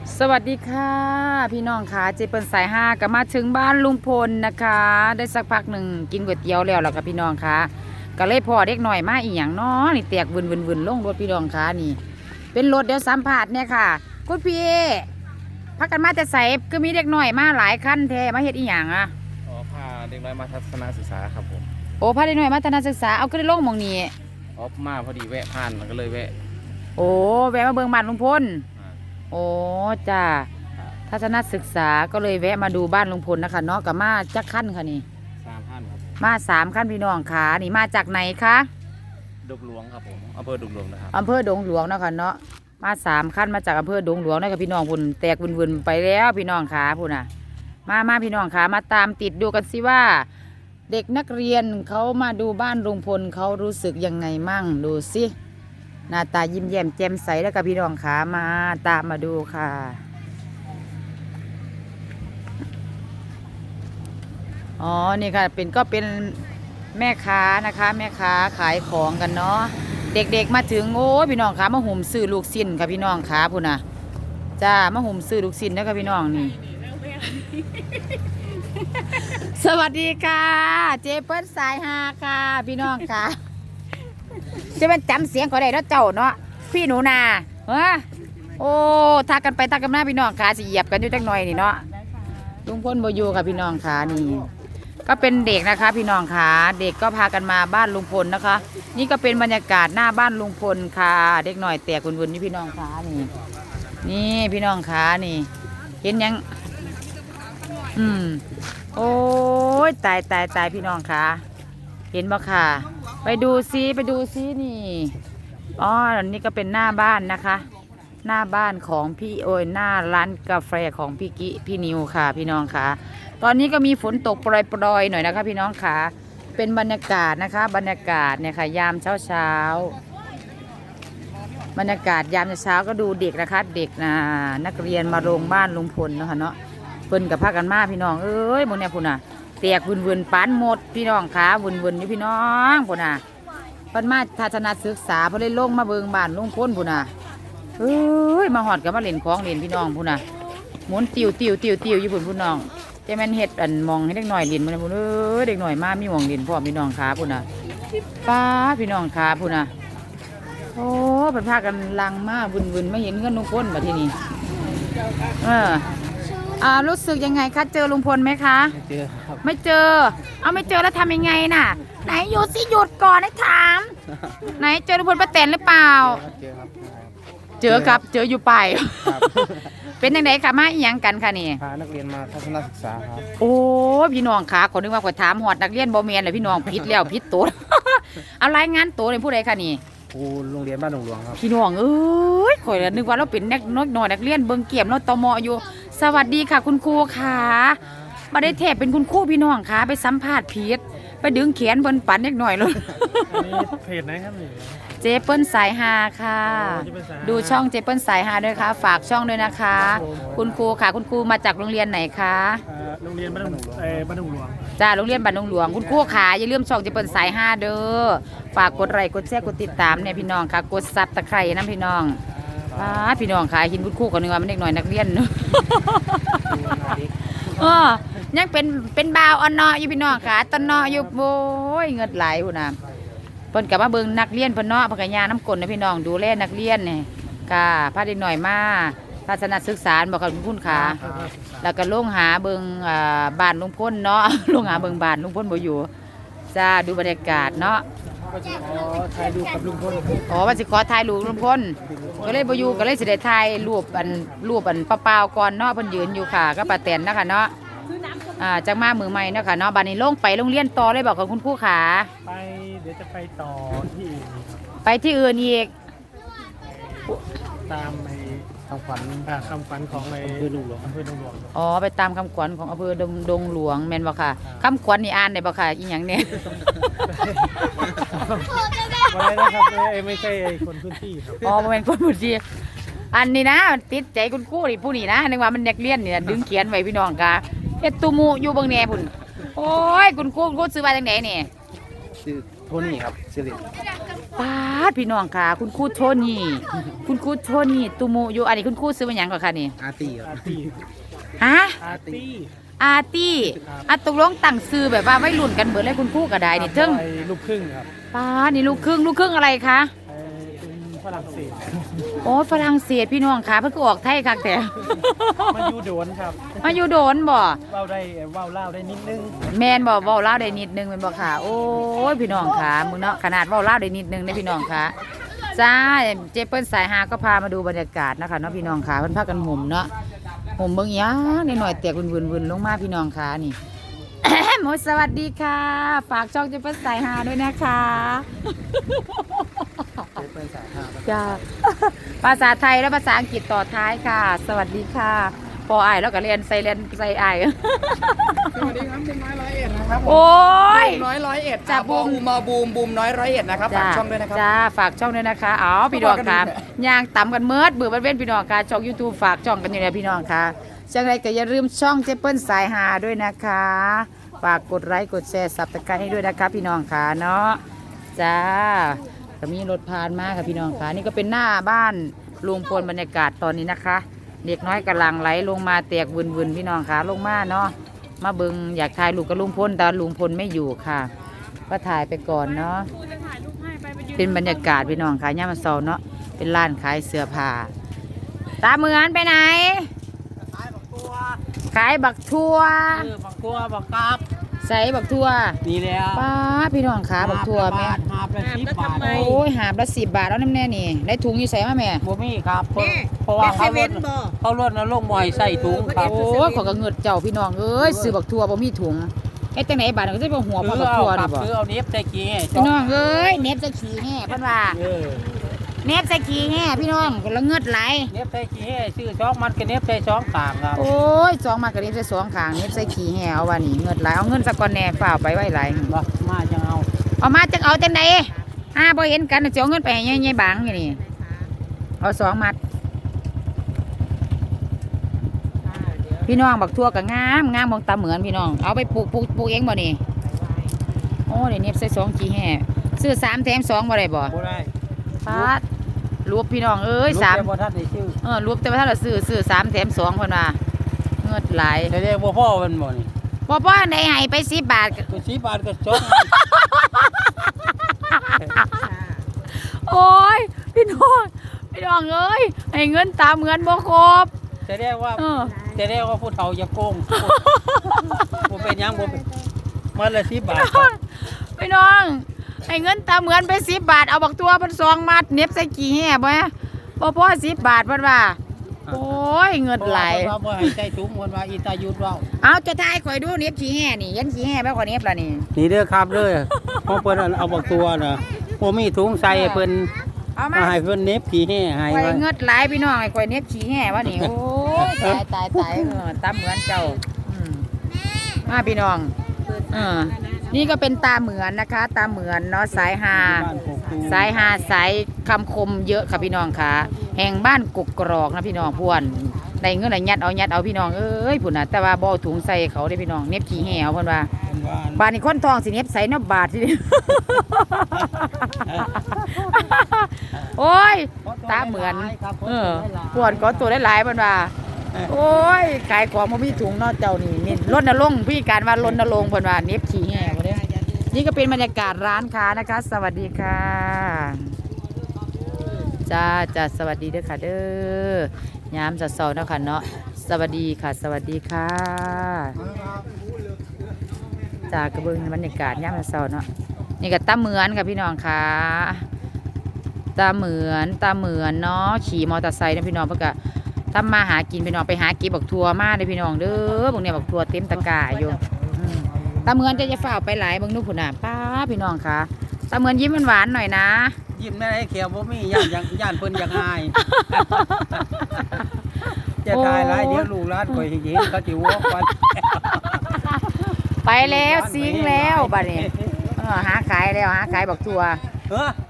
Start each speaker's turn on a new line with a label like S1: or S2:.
S1: สวัสดีค่ะพี่น้องค่ะเจเปิลสายห้าก็มาถึงบ้านลุงพลนะคะ ได้สักพักหนึ่งกินก๋วยเตี๋ยวแล้วค่ะพี่น้องค่ะก็เลยพอเด็กหน่อยมาอีกอย่างน้อนี่แตกวุ่นลงรถพี่น้องค่ะนี่เป็นรถเดี๋ยวสัมผัสเนี่ยค่ะคุณพี่พักกันมาจะใส่ก็มีเด็กหน่อยมาหลายคันแท้มาเฮ็ดอีหยังอ่ะ
S2: อ๋อพาเด็กน้อยมาทัศนศึกษาครับผม
S1: โอ้พาเด็กหน่อยมาทัศนศึกษาเอาก็ได้ลงหมองนี้
S2: อ๋อมาพอดีแวะผ่านมันก็เลยแวะ
S1: โอ้แวะมาเบิ่งบ้านลุงพล
S2: อ่า
S1: โอ้จ้าทัศนศึกษาก็เลยแวะมาดูบ้านลุงพลนะคะเนาะกับมาจักขั้นค่ะนี่
S2: 3 ท่านครับผม
S1: มา3 ขั้นพี่น้องค่ะนี่มาจากไหนคะ
S2: ดงหลวงครับผมอำเภอดงหลวงนะครับ
S1: อำเภอดงหลวงเนาะค่ะเนาะมา3 ขั้นมาจากอำเภอดงหลวงนะคะพี่น้องพุ่นแตกวุ่นไปแล้วพี่น้องขาพุ่นน่ะมาพี่น้องขามาตามติดดูกันสิว่า เด็กนักเรียนเขามาดูบ้านลุงพลเขารู้สึกยังไงมั่งดูสิหน้าตายิ้มแย้มแจ่มใสแล้วกับพี่น้องขามาตามมาดูค่ะอ๋อนี่ค่ะเป็นแม่ค้านะคะแม่ค้าขายของกันเนาะเด็กๆมาถึงโอ้พี่น้องขามาหุ่มซื้อลูกชิ้นค่ะพี่น้องขาพุ่นน่ะจ้ามาหุ่มซื้อลูกชิ้นนะคะพี่น้องนี่สวัสดีค่ะเจเปิ้ลสายฮาค่ะพี่น้องค่ะจะเป็นจำเสียงก็ได้แล้วเจ้าเนาะพี่หนูนาโอ้ทักกันไปทักกันมาพี่น้องขาสิเหยียบกันอยู่จักหน่อยนี่เนาะลุงพลบ่อยู่ค่ะพี่น้องขานี่ก็เป็นเด็กนะคะพี่น้องขาเด็กก็พากันมาบ้านลุงพลนะคะ นี่ก็เป็นบรรยากาศหน้าบ้านลุงพลค่ะเด็กหน่อยแตกวุ่นๆนี่พี่น้องขานี่พี่น้องขานี่เห็นยังโอ้ยตายพี่น้องค่ะเห็นบ่ค่ะไปดูซินี่อ๋อนี่ก็เป็นหน้าบ้านนะคะ หน้าบ้านของพี่โอยหน้าร้านกาแฟของพี่กิพี่นิวค่ะพี่น้องค่ะตอนนี้ก็มีฝนตกปรอยๆหน่อยนะคะพี่น้องค่ะเป็นบรรยากาศนะคะบรรยากาศเนี่ยค่ะยามเช้าบรรยากาศยามเช้าก็ดูเด็กนะคะเด็กนักเรียนมาโรงบ้านลุงพลนะคะเนาะเพิ่นกับพากันมาพี่น้องเอ้ยบนเนี่ยพุ่นน่ะแตกวุ่นปานหมดพี่น้องขาวุ่นอยู่พี่น้องพุ่นน่ะเพิ่นมาทัศนศึกษาเพิ่นเลยลงมาเบิ่งบ้านลุงพลพุ่นน่ะเอ้ยมาหอดกับมาเล่นของเล่นพี่น้องพุ่นน่ะหมุนติวอยู่พุ่นน้องจะแม่นเฮ็ดอันมองให้เด็กหน่อยเล่นมันพุ่นเอ้ยเด็กหน่อยมามีหม่องเล่นพร้อมพี่น้องขาพุ่นน่ะป้าพี่น้องขาพุ่นน่ะโอ้เพิ่นพากันลังมาวุ่นไม่เห็นเงินลุงพลบัดทีนี้รู้สึกยังไงคะเจอลุงพลไหมคะ
S2: ไม่เจอครับ
S1: ไม่เจอไม่เจอแล้วทำยังไงน่ะไหนหยุดสิหยุดก่อนให้ถามไหนเจอลุงพลป้าแตนหรือเปล่า
S2: เจอครับ
S1: เจอครับเจออยู่ไปเป็นยังไงคะมาอีหยังกันคะนี่
S2: พานักเรียนมาทัศนศึกษาครับ
S1: โอ้พี่น้องคะขอนึกว่าขอถามหอดนักเรียนบ่แม่นเลยพี่น้องผิดแล้วผิดตัวเอารายงานตัวในผู้ใดคะนี่
S2: ครูโรงเรียนบ้านดงหลวงครับ
S1: พี่น้องเอ้ยข่อยนึกว่าเราเป็นนักน้อยนักเรียนเบิ่งเกี่ยมเราตมอยู่สวัสดีค่ะคุณครูค่ะมาได้แทบเป็นคุณครูพี่น้องค่ะไปสัมภาษณ์ผิดไปดึงแขนบนปั่นเล็กหน่อยเลย
S2: เพจไหนครับนี่
S1: เจเปิ้ลสายฮาค่ะดูช่องเจเปิ้ลสายฮาด้วยค่ะฝากช่องด้วยนะคะคุณครูค่ะคุณครูมาจากโรงเรียนไหนคะ
S2: โรงเรียนบ้านดงหลวงบ้านดงหลวง
S1: จ้าโรงเรียนบ้านดงหลวงคุณครูค่ะอย่าลืมช่องเจเปิ้ลสายฮาเด้อฝากกดไลค์กดแชร์กดติดตามเนี่ยพี่น้องค่ะกดซับตะไคร่นะพี่น้องพี่น้องค่ะหินคุณครูกันนึงว่ามันเด็กหน่อยนักเรียนเนาะยังเป็นบ่าวอ่อนเนาะอยู่พี่น้องค่ะตอนเนาะอยู่โอ้ยเงินไหลหุ่นน่ะเพิ่นกับมาเบิ่งนักเรียนเพิ่นเนาะเพิ่นก็ย่าน้ำกลนนะพี่น้องดูแลนักเรียนนี่ค่ะพาเด็กหน่อยมาทัศนศึกษาบอกกับคุณค่ะแล้วก็ลงหาเบิ่งบ้านลุงพลเนาะลงหาเบิ่งบ้านลุงพลบ่อยู่จ้าดูบรรยากาศเนาะ
S2: ถ่ายรูปกับลุงพล
S1: ว่าสิขอถ่ายรูปลุงพลก็เลยบ่อยู่ก็เลยสิได้ถ่ายรูปอันเปล่าๆก่อนเนาะเพิ่นยืนอยู่ค่ะก็ป้าแตนนะคะเนาะจังมามือใหม่เนาะค่ะเนาะบัดนี้ลงไปโรงเรียนต่อเลยบอกกับคุณครูขา
S2: ไปเดี๋ยวจะไปต่อที่อื่น
S1: ไปที่อื่นอีก
S2: ตามในคำขวัญของในอำเภอดงหลวง
S1: อ๋อไปตามคำขวัญของอำเภอดงหลวงแม่นบ่ค่ะคำขวัญนี่อ่านได้บ่ค่ะอีหยังเนี่ย
S2: อะไรนะครับไม่ใช่คนพื้นที่ครับ
S1: อ๋อบ่แม่นคนพื้นที่อันนี้นะติดใจคุณครูนี่ผู้นี่นะนึกว่ามันเด็กเรียนนี่ดึงเขียนไว้พี่น้องค่ะเฮ็ดตุมูอยู่เบิ่งแหน่พุ่นโอ้ยคุณครูซื้อมาจังได๋นี่
S2: ซื้อโทนี่ครับสิริ
S1: ป้าดพี่น้องค่ะ คุณครูโทนี่คุณครูโทนี่ตุโมอยู่อันนี้คุณครูซื้อมาหยังก่อนค่ะนี่
S2: อาร์ตี้ครับอาร์ตี้
S1: ฮะ
S2: อาร์ตี้
S1: อาร์ตี้อ่ะตกลงตั้งซื้อแบบว่าไม่รุ่นกันเบิดเลยคุณครูก็ได้นี่เทิง
S2: ไอ้ลูกครึ่งครับ
S1: ป้าดนี่ลูกครึ่งอะไรคะ
S2: ไอ้เป็นฝรั่งเศส
S1: โอ้ฝรั่งเศสพี่น้องค่ะเพิ่งก็ออกไทยคักแต่
S2: มาอยู่โดนครับ
S1: มาอยู่โดนบ่
S2: เว้าได้เว้าเล่าวได้นิดนึง
S1: แมนบอกเว้าลาวได้นิดนึงแม่นบ่ค่ะ โอ้ยพี่น้องค่ะมึงเนาะขนาดเว้าลาวได้นิดนึงเด้พี่น้องค่ะจ้าเจเปิ้ลสายฮาก็พามาดูบรรยากาศนะคะเนาะพี่น้องค่ะเพิ่นพากันห่มเนาะห่มเบิ่งหยังนิดหน่อยแตกวุ่นๆลงมาพี่น้องค่ะนี่ หมดสวัสดีค่ะ ฝากช่องเจเปิ้ลสายฮาด้วยนะคะ
S2: เป็นสายห้า
S1: จ้า ภาษาไทยและภาษาอังกฤษต่อท้ายค่ะ สวัสดีค่ะพออ้ายแล้วก็เรียนใส่อ้าย
S2: สวัสดีครับบุมน้อยร้อยเอ็ดนะครับ
S1: โอ้ย
S2: น้อยร้อยเอ็ด
S1: จ้ะบูม
S2: มาบูมน้อยร้อยเอ็ดนะครับฝากช่องด้วยนะครับ
S1: จ้าฝากช่องด้วยนะคะอ๋อพี่น้องค่ะย่างต่ำกันเมิดเบื่อบันเว้นพี่น้องค่ะช่อง YouTube ฝากช่องกันอยู่เนี่ยพี่น้องค่ะจังไรก็อย่าลืมช่องเจเปิ้ลสายหาด้วยนะคะฝากกดไลค์กดแชร์ซับสไครต์ให้ด้วยนะคะพี่น้องค่ะเนาะจ้าก็มีรถผ่านมาค่ะพี่น้องค่ะนี่ก็เป็นหน้าบ้านลุงพลบรรยากาศตอนนี้นะคะ เด็กน้อยกำลังไหลลงมาแตกวุ่นๆพี่น้องค่ะลงมาเนาะมาเบิงอยากถ่ายรูปกับลุงพลแต่ลุงพลไม่อยู่ค่ะ ก็ถ่ายไปก่อนเนาะเป็นบรรยากาศพี่น้องค่ะย่ามาเซาเนาะเป็นร้านขายเสื้อผ้าตาเหมือนไปไหน ขายบักทั่ว
S2: บักตัวบักกราบ
S1: ใส่บักทั่ว
S2: นี่แล้ว
S1: ป้าพี่น้องขาบักทั่วแม่
S2: หาบละ10 บาท
S1: โอ้ยหาบละ10 บาทแล้วน้ำแน่นี่ได้ถุงอยู่ใส่มาแม่
S2: บ่มีครับเพราะว่าเขาลดนะลงมอยใส่ถุงครับ
S1: โอ้ยขอกระเงิดเจ้าพี่น้องเอ้ยซื้อบักทั่วบ่มีถุงไอ้จังไหนบาทก็จะเป็นหัวพอบักทั่วนี่บ่
S2: ซื้อเอาเน็บใส่กี้
S1: พี่น้องเอ้ยเน็บใส่ขี้แห่เพิ่นว่าเน็บใส่ขี้แห่พี่น้องก็ละเงิดไหล
S2: เน็บใส่กี้ซื้อช่องมันก็เน็บใส่ช่องกลางครับ
S1: โอ้ยสองมากกระเด็นใส่สองขางเน็บใส่ขี้แห่เอาว่านี่เงินหลายเอาเงินสักก้อนแหน่ฝ่ากไปไว้หลาย
S2: บ่มาจังเอา
S1: เอามาจังเอาจังใดบ่เห็นกันจะเอาเงินไปให้ยายบางอยู่นี่เอา2 มัดพี่น้องบักทั่วก็งามมองตาเหมือนพี่น้องเอาไปปลูกเองบ่นี่โอ้เดี๋ยวเน็บใส่2ขี้แห่ซื้อ3แถม2บ่ได้บ่
S2: บ่ได้
S1: ปาดรวบพี่น้องเอ้ย3
S2: บ่ทันได้ชื่อ
S1: รวบแต่ว่าถ้าเราซื้อ3แถม2เพิ่นว่าเงินหลาย
S2: แต่เรียกบ่พ่อมันบ่นี่
S1: บ่ได้ให้ไป10 บาท
S2: ก็10 บาทก็จบ
S1: โอ้ยพี่น้องเอ้ยให้เงินตามเงินบ่ครบ
S2: จะเรียกว่า
S1: เออ
S2: จะเรียกว่าผู้เฒ่าอย่าโกงบ่เป็นหยังบ่เป็นมันละ10 บาท
S1: พี่น้องให้เงินตามเงินไป10 บาทเอาบักตัวเป็น2 มัดเน็บใส่กี่แห่บ่พอ10 บาทเพิ่นว่าโอ้ยเงินไหลาย
S2: เพราะว่าบ่ให้ใส่ถุงเพิ่นว่าอีตายุดเว้า
S1: เอาจะทายข่อยดูเน็บขี้แห่นี่ยันขี้แห่ไปกว่าเน็บล่ะนี่
S2: นี่เด้อครับเด้อเพราะเพิ่นเอาบักตัวน่ะบ่มีถุงใส่ให้เพิ่น
S1: เอามา
S2: มาให้เพิ่นเน็บขี้แห่ให้
S1: ข่อย
S2: ไว้
S1: เงินหลายพี่น้องให้ข่อยเน็บขี้แห่วะนี่โอ้ยตายตามเหมือนเจ้ามาพี่น้องนี่ก็เป็นตาเหมือนนะคะ ตาเหมือนเนาะสายฮา
S2: บ้านกกตูม
S1: สายหาสายคำคมเยอะค่ะพี่น้องค่ะแห่งบ้านกกกรอกนะพี่น้องพวนได้เงินได้ยัดเอาพี่น้องเอ้ยพุ่นน่ะแต่ว่าบ่เอาถุงใส่เขาได้พี่น้องเน็บขี้แห่วเพิ่นว่า
S2: บ้าน
S1: บานนี้คนทองสิเน็บใส่เนับบาทสิ โอ้ยตาเหมือนพวนก็ตัวหลายๆเพิ่นว่าโอ้ยขายของบ่มีถุงเนาะเจ้านี่รณรงค์พี่การว่ารณรงค์เพิ่นว่าเน็บขี้แห่บ่ได้นี่ก็เป็นบรรยากาศร้านค้านะคะ สวัสดีค่ะ จ้าสวัสดีเด้อค่ะเด้อยามจะเสาร์นะคะเนาะสวัสดีค่ะ สวัสดีค่ะจ้ากระเบื้องบรรยากาศยามจะเสาร์เนาะนี่ก็ตาเหมือนค่ะพี่น้องค่ะตาเหมือนเนาะขี่มอเตอร์ไซค์นะพี่น้องเพื่อก็ทำมาหากินพี่น้องไปหากินบักทัวมาเลยพี่น้องเด้อพวกเนี้ยบักทัวเต็มตะกร้าอยู่ตาเหมือนจะฝ่าไปหลายบางนู่นผุนน่ะป้าพี่น้องค่ะตาเหมือนยิ้มหวานๆหน่อยนะ
S2: ยิ้มได้ให้เขียวบ่มีย่านเพิ่นอยากอายจะตายหลายเดี๋ยวลูกหลานข่อยสิเห็นเขาสิวอกกัน
S1: ไปแล้วซิงแล้วบัดนี้หาขายบักทัว
S2: เออ